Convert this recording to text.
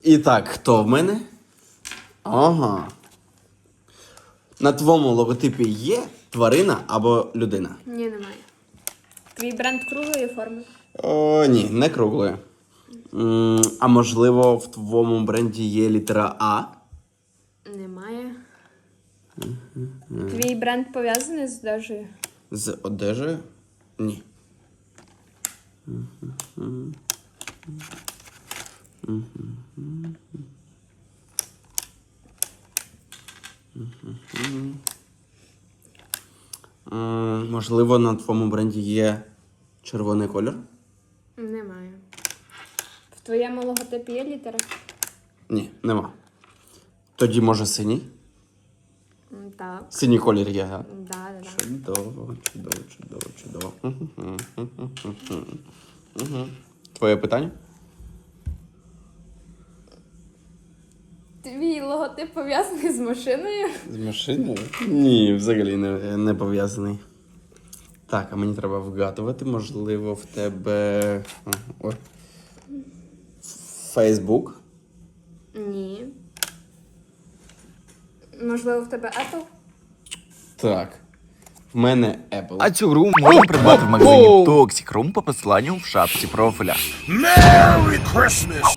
І так, хто в мене? Ага. На твоєму логотипі є тварина або людина? Ні, немає. Твій бренд круглої форми? О, ні, не круглої. А можливо, в твоєму бренді є літера А? Немає. Твій бренд пов'язаний з одежею? З одежею? Ні. Можливо, на твоєму бренді є червоний колір? Немає. В твоєму логотипі є літера? Ні, нема. Тоді, може, синій? Так. Синій колір є, так? Да. Чудово. Твоє питання? Твій логотип пов'язаний з машиною? З машиною? Ні, взагалі не пов'язаний. Так, а мені треба вгадувати. Можливо, в тебе. Ой. Фейсбук? Ні. Можливо, в тебе Apple? Так. В мене Apple. А цю гру можна придбати в магазині Toxic Room по посиланню в шапці профіля. Merry Christmas!